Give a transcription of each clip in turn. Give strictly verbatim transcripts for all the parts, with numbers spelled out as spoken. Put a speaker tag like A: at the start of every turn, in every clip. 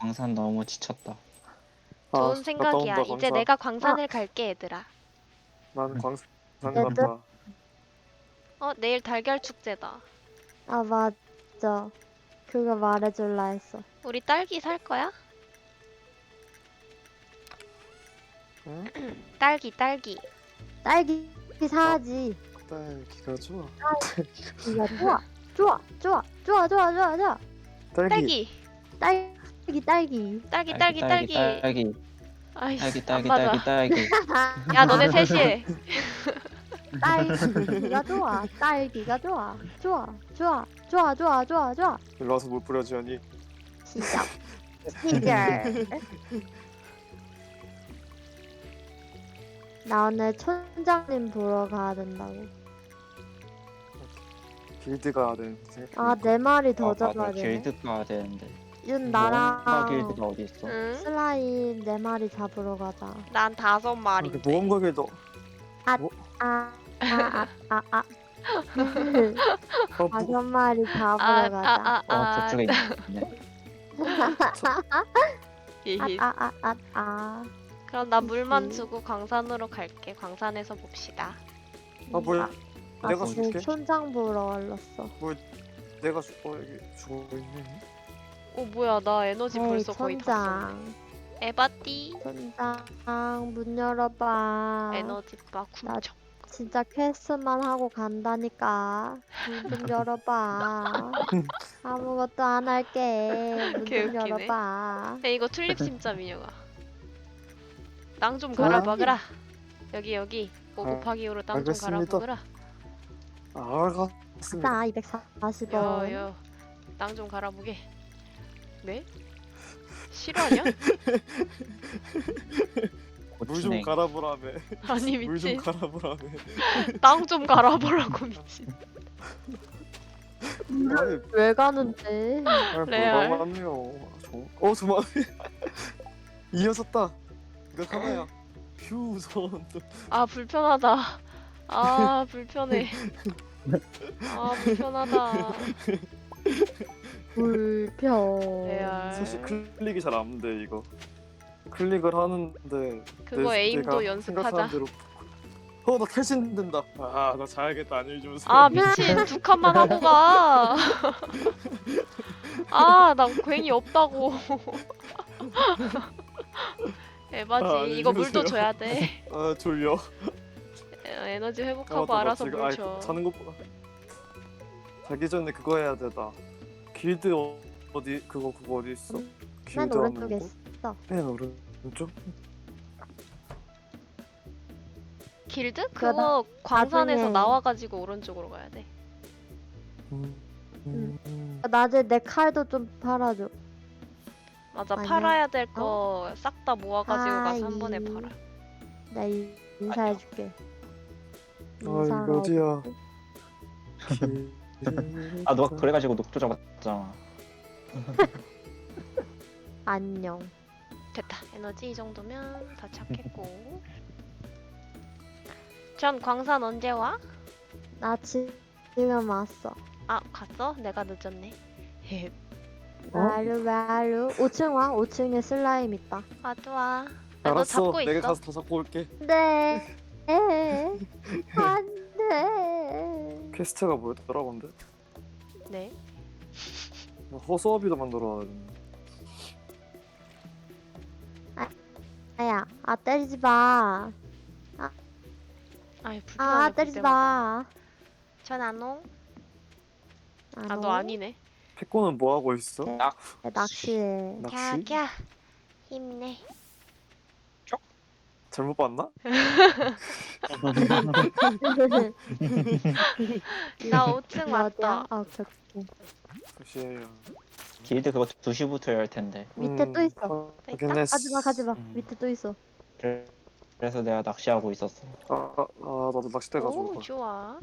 A: 광산 너무 지쳤다.
B: 아,
C: 좋은
B: 갔다
C: 생각이야.
B: 온다,
C: 이제
B: 광산.
C: 내가 광산을 갈게, 얘들아.
B: 난 광산
A: 얘들-
B: 간다.
C: 어, 내일 달걀 축제다.
D: 아 맞아. 그거 말해줄라 했어.
C: 우리 딸기 살 거야?
B: 응?
C: 딸기, 딸기.
D: 딸기 사야지.
B: 딸기가 좋아.
D: 이거 좋아. 좋아. 좋아. 좋아. 좋아. 좋아. 좋아.
B: 딸기.
C: 딸기,
D: 딸기 딸기.
C: 딸기, 딸기, 딸기.
A: 딸기
C: 아이씨,
A: 딸기
C: 안
A: 딸기
C: 맞아.
A: 딸기 딸기.
C: 야, 너네 셋이.
D: 딸기가 좋아. 딸기가 좋아. 좋아. 좋아. 좋아. 좋아. 좋아. 좋아.
B: 일로 와서 물 뿌려주니.
D: 시작. 시작. 나 오늘 촌장님 보러 가야 된다고.
B: 길드 가야 되는데.
D: 아, 내 말이 더
A: 아, 맞아.
D: 잡아야 되네.
A: 길드 가야 되는데.
D: 윤
A: 뭔가
D: 나랑
A: 길드가 어디 있어?
C: 응?
D: 슬라임 네 마리 잡으러 가자.
C: 난 다섯 마리.
B: 아, 모험가 길드.
D: 아, 아, 아, 아, 아.
B: 어, 뭐,
D: 다섯 마리 잡으러
C: 아, 아,
D: 가자.
C: 아,
A: 어
C: 아.
A: 저쪽에 있네.
C: 히히.
D: 아, 아, 아, 아.
C: 그럼 나 물만
D: 히히.
C: 주고 광산으로 갈게. 광산에서 봅시다.
B: 아 뭐야?
D: 아,
B: 내가
D: 지금
B: 줄게.
D: 촌장 보러 왔었어.
B: 내가 죽어 여기 죽어 있네.
C: 오, 뭐야. 나 에너지
D: 에이,
C: 벌써 거의 다 썼네.
D: 촌장.
C: 에바띠.
D: 촌장, 문 열어봐.
C: 에너지 바 쿵척.
D: 진짜 퀘스트만 하고 간다니까. 문 좀 열어봐. 아무것도 안 할게. 문 좀
C: 개웃기네.
D: 열어봐.
C: 야, 이거 튤립 심자 민혁아. 땅 좀
B: 좋아.
C: 갈아박으라. 여기 여기. 오
B: 아,
C: 곱하기 오로 땅 좀
B: 알겠습니다.
C: 갈아박으라.
B: 알겠습니다.
D: 자, 이백사십 원.
C: 여여. 땅 좀 갈아보게. 네? 실화냐?
B: 물 좀 갈아보라며.
C: 아니
B: 물 좀
C: 미친.
B: 갈아보라며.
C: 땅 좀 갈아보라고 미친.
B: 아니,
D: 왜 가는데?
C: 레알.
B: 뭐가 많네요. 어, 저만 이어졌다. 이거 하나야. 휴, 손.
C: 아 불편하다. 아 불편해. 아 불편하다.
D: 불편.
C: 레알.
B: 사실 클릭이 잘 안 돼 이거. 클릭을 하는데
C: 그거
B: 내-
C: 에임도
B: 내가
C: 연습하자.
B: 생각하는 대로 어, 나 탈신된다. 아, 나 자야겠다. 안녕히 주무세요.
C: 아 미친 두 칸만 하고 가. 아 나 괜히 없다고. 에바지
B: 아,
C: 이거 물도
B: 주무세요.
C: 줘야 돼.
B: 아, 졸려.
C: 에, 에너지
B: 아,
C: 회복하고
B: 맞다,
C: 알아서
B: 맞다.
C: 물
B: 아이,
C: 줘.
B: 자는 것보다 자기 전에 그거 해야 되다. 길드 어- 어디 그거 그거 어디 있어?
D: 맨
B: 길드
D: 오른쪽에
B: 하는 거?
D: 있어.
B: 맨 오른쪽?
C: 길드?
D: 그거
C: 그거 광산에서
D: 나중에-
C: 나와가지고 오른쪽으로 가야 돼.
B: 음, 음.
D: 낮에 내 칼도 좀 팔아줘.
C: 맞아
D: 아니야.
C: 팔아야 될 거 싹 다 모아가지고 가서
D: 아이.
C: 한 번에 팔아.
D: 나 이- 인사해줄게.
B: 아, 이거 어디야? 길드.
A: 아 너가 그래가지고 녹조 잡았잖아.
D: 안녕.
C: 됐다. 에너지 이 정도면 다 찾겠고. 전 광산 언제 와?
D: 나 지, 지금 왔어.
C: 아 갔어? 내가 늦었네. 헤헤.
B: 어?
D: 말루 말루. 오 층 와. 오 층에 슬라임 있다.
C: 와도 와. 야, 너
B: 알았어.
C: 잡고
B: 내가
C: 있어.
B: 가서 더 잡고 올게.
D: 네. 안돼.
B: 퀘스트가 뭐였더라 근데?
C: 네.
B: 허수아비도 만들어야 돼.
D: 아야, 아 때리지 마.
C: 아이 불편하네.
D: 아 때리지 마.
C: 전안 오?
D: 아,
C: 아 너 아니네.
B: 패코는 뭐 하고 있어?
D: 네. 낚시해.
B: 낚시?
C: 캬캬. 힘내.
B: 잘못 봤나?
C: 나 오 층
D: 어디야?
C: 왔다.
D: 아 저기
B: 잠시만요.
A: 길드 그거 두 시부터 열 텐데.
D: 밑에 또 있어.
B: 어,
C: 또 있다?
B: 확인했어.
D: 가지마 가지마.
A: 음.
D: 밑에 또 있어.
A: 그래- 그래서 내가 낚시하고 있었어.
B: 아, 아, 아 나도 낚싯대 가지고
C: 오
B: 가.
C: 좋아.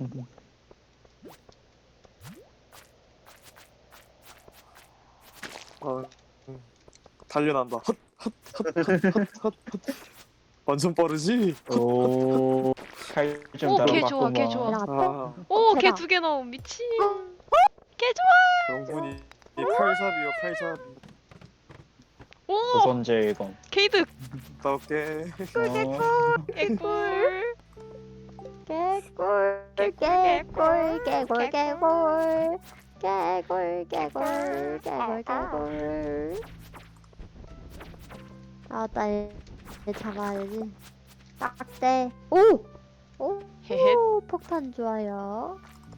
B: 아, 음. 달려난다. 헛, 헛, 헛, 헛, 헛, 헛, 헛. 완전 빠르지?
A: 오. 칼좀
C: 오,
A: 따라
C: 걔 좋아, 걔
A: 맞구만.
C: 좋아.
D: 얘랑 같아?
B: 아,
C: 오, 걔
D: 걔다.
C: 두 개 나옴 미친.
D: 어?
C: 걔 좋아.
B: 명분이 이 칼삽이요, 칼삽.
C: 오!
A: 조선제일검.
C: 케이드!
B: 나올게.
A: 어,
C: 개꿀!
D: 개꿀
C: 개꿀,
D: 개꿀 개꿀
C: 개꿀.
D: 개꿀 개꿀 개꿀 개꿀 개꿀. 아나 얘 잡아야지. 딱대. 오! 오!
C: 헤헤.
D: 오, 폭탄 좋아요.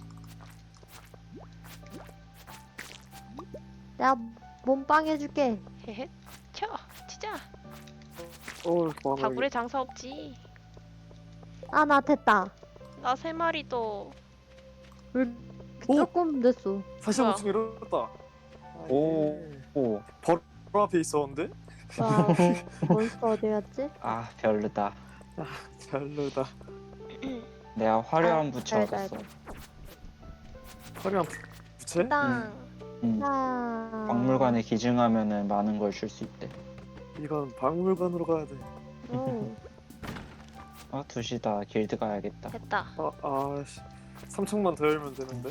D: 내가 몸빵 해줄게.
C: 헤헤. 쳐! 치자!
B: 어, 많아.
C: 다굴에 장사 없지.
D: 아, 나 됐다.
C: 나 세 마리 또.
D: 왜
B: 오!
D: 조금 됐어.
B: 사십오 층 이렇다.
A: 오, 오.
B: 바로 앞에 있었는데?
D: 와, 몬스터 어디 갔지?
A: 아, 별로다.
B: 별로다.
A: 내가 화려한
D: 아,
A: 부채
D: 알다,
A: 얻었어.
D: 알다.
B: 화려한 부채?
C: 땅.
A: 응.
D: 아.
A: 박물관에 기증하면은 많은 걸 줄 수 있대.
B: 이건 박물관으로 가야 돼.
D: 오.
A: 아, 두 시다. 길드 가야겠다.
C: 됐다.
B: 아, 아씨. 삼 층만 더 열면 되는데.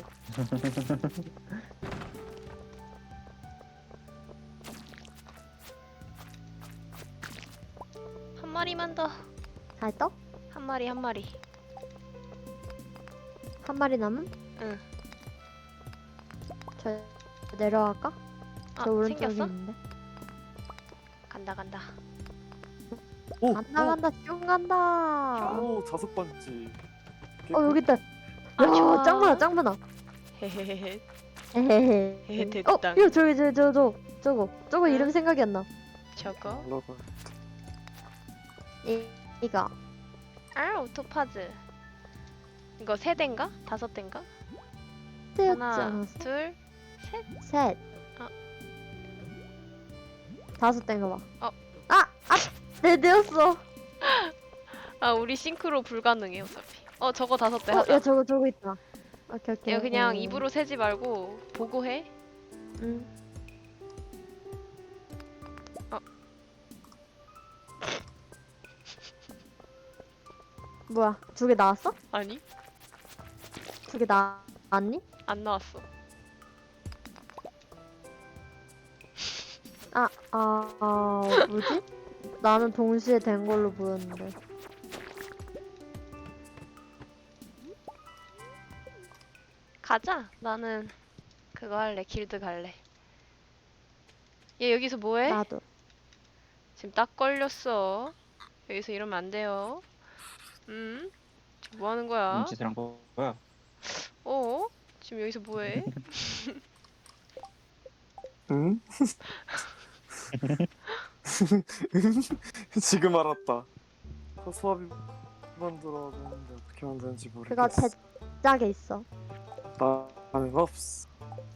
C: 한 마리만 더.
D: 갈떡?
C: 한 마리 한 마리.
D: 한 마리 남은?
C: 응.
D: 저 내려갈까?
C: 아,
D: 저 오른쪽에
C: 생겼어?
D: 있는데.
C: 간다 간다.
B: 오!
D: 간다 간다 쭉 간다.
B: 오, 자석 반지.
D: 어 여기 있다.
C: 아,
D: 야,
C: 좋아.
D: 짱 많아, 짱 많아.
C: 헤헤헤헤.
D: 헤헤헤.
C: 헤헤, 됐다.
D: 어, 이거 저기 저 저 저 저거 저거
C: 응?
D: 이름 생각이 안 나.
C: 저거.
B: 올라가.
D: 이 이거.
C: 아, 오토파즈. 이거 세 대인가? 다섯 대인가?
D: 떼었지
C: 하나,
D: 않았어?
C: 둘,
D: 셋.
C: 아.
D: 다섯 대인가 봐.
C: 어.
D: 아, 아, 네 대였어.
C: 아, 우리 싱크로 불가능해 어차피. 어, 저거 다섯 대
D: 어,
C: 하자.
D: 야 저거 저거 있다. 오케이 오케이.
C: 이거 그냥
D: 어.
C: 입으로 세지 말고 보고 해.
D: 응.
C: 어.
D: 뭐야? 두 개 나왔어?
C: 아니,
D: 두 개 나왔니?
C: 안 나왔어.
D: 아, 아, 아, 뭐지? 나는 동시에 된 걸로 보였는데.
C: 가자. 나는 그거 할래. 길드 갈래. 얘 여기서 뭐해?
D: 나도.
C: 지금 딱 걸렸어. 여기서 이러면 안 돼요. 음? 지금 뭐 하는 거야?
A: 뭔 짓을 한 거야?
C: 어? 지금 여기서 뭐해?
B: 응? 지금 알았다. 소화비 만들어야 되는데 어떻게 만드는지
D: 그거
B: 모르겠어.
D: 제짝에 있어.
B: 나는 없어.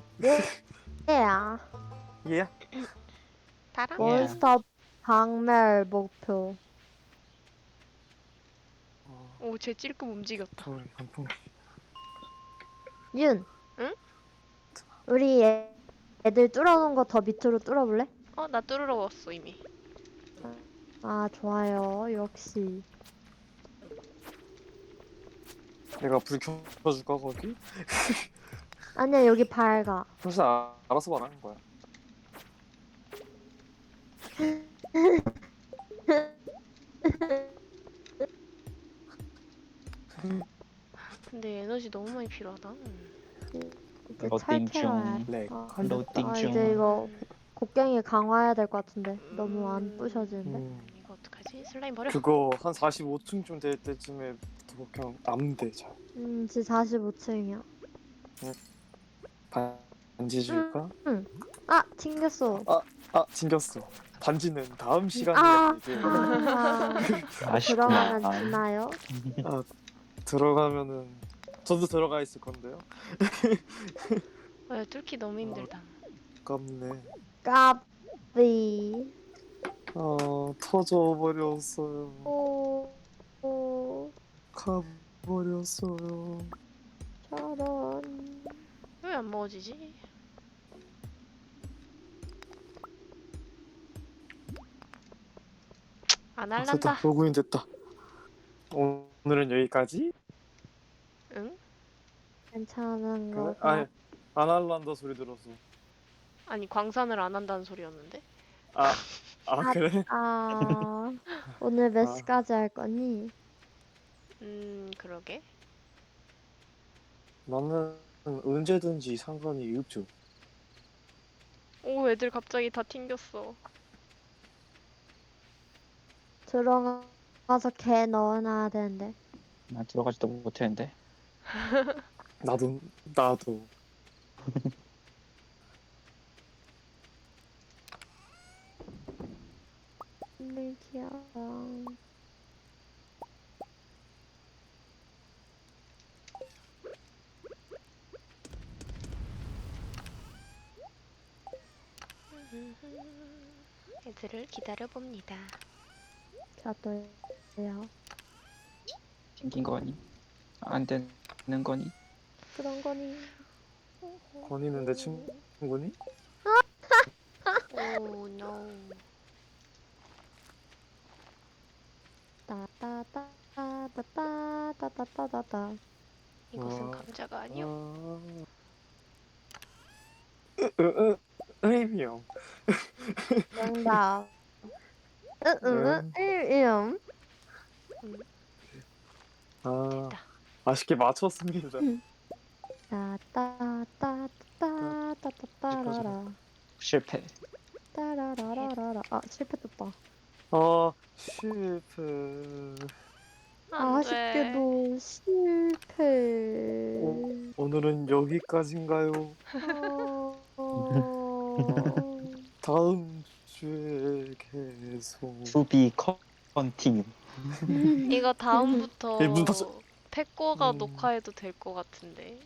D: 얘야.
B: 예?
C: 다랑?
A: 뭐?
D: 몬스터 박멸 목표.
B: 어,
C: 오, 쟤 찔끔 움직였다.
B: 돌 단풍.
D: 윤.
C: 응?
D: 우리 애, 애들 뚫어놓은 거 더 밑으로 뚫어볼래?
C: 어, 나 뚫으러웠어 이미.
D: 아, 좋아요. 역시.
B: 내가 불 켜줄까 거기?
D: 아니야, 여기 밝아.
B: 사실 아, 알아서 말하는 거야.
C: 근데 에너지 너무 많이 필요하다. 음.
D: 이제
A: 로딩
D: 철캐러야
A: 중.
B: 렉.
D: 어,
A: 로딩
D: 아,
A: 중.
D: 이제 이거 곡괭이 강화해야 될 것 같은데. 너무 안 부셔지는데.
B: 음,
C: 이거 어떡하지? 슬라임 버려.
B: 그거 한 사십오 층쯤 될 때쯤에 또 그냥 남대 잘.
D: 음, 지금 사십오 층이야.
B: 반지 줄까?
D: 아, 튕겼어.
B: 아 튕겼어. 반지는 다음 시간에
D: 아,
B: 이제
D: 아,
A: 아쉽구나.
D: 들어가면 죽나요?
B: 들어가면은 저도 들어가 있을 건데요.
C: 아, 뚫기 너무 힘들다.
B: 아깝네.
D: 까비.
B: 아 터져 버렸어요.
D: 오, 오,
B: 가버렸어요.
D: 저런.
C: 왜 안 먹어지지? 안
B: 아,
C: 할란다.
B: 됐다. 로그인 됐다. 오늘은 여기까지?
C: 응?
D: 괜찮은
B: 그래?
D: 거.
B: 아니 안 할란다 소리 들었어.
C: 아니 광산을 안 한다는 소리였는데?
B: 아, 아
D: 아,
B: 그래?
D: 아, 오늘 몇
B: 아.
D: 시까지 할 거니?
C: 음, 그러게.
B: 나는 언제든지 상관이 없죠.
C: 오, 애들 갑자기 다 튕겼어.
D: 들어가서 개 넣어놔야 되는데.
A: 난 들어가지도 못했는데.
B: 나도 나도.
D: 밀키야.
C: 애들을 기다려봅니다.
D: 저도요.
A: 생긴 거니? 안 되는 거니?
D: 그런 거니?
B: 건이는 내 친구니?
C: 오, 노.
D: 따따따따따따따따따.
C: 이것은
B: 아.
C: 감자가 아니오.
B: 아. 으으으 의미형.
D: 정답. 응응 일임.
B: 아
C: 됐다.
B: 아쉽게 맞췄습니다.
D: 따따따따따따따따라라.
A: 실패.
D: 따라라라라라. 아 실패했다.
B: 아 실패.
C: 안 돼.
D: 아쉽게도 실패.
B: 오, 오늘은 여기까지인가요?
D: 어...
B: 다음 주에 계속.
A: 투비 컨티뉴.
C: 이거 다음부터
B: 예, 문 닫혀-
C: 패꼬가
B: 음.
C: 녹화해도 될 것 같은데.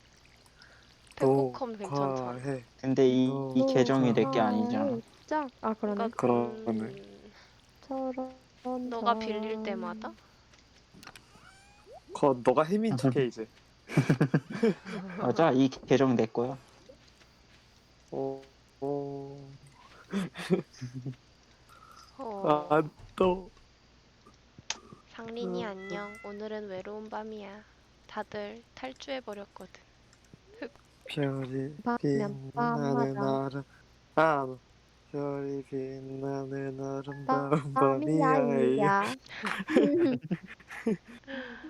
C: 패꼬컴 괜찮잖아.
B: 녹화해.
A: 근데 이, 이
B: 어,
A: 계정이
B: 그-
A: 내 게 아니잖아.
D: 짝. 아 그러네.
C: 그러니까
B: 그러네.
C: 음,
D: 저런.
C: 너가 빌릴 때마다
B: 거 너가 혜민 척해 이제.
A: 맞아, 이 계정 내 거야.
B: 어, 어,
C: 어,
B: 아, 또.
C: 상린이
B: 어,
C: 안녕. 오늘은 외로운 밤이야. 다들 탈주해버렸거든.
B: 별이
D: 밤이면
B: 빛나는
D: 밤마다.
B: 아름 아 별이 빛나는 아름다운
D: 밤이야
B: 밤이야.
D: 이야.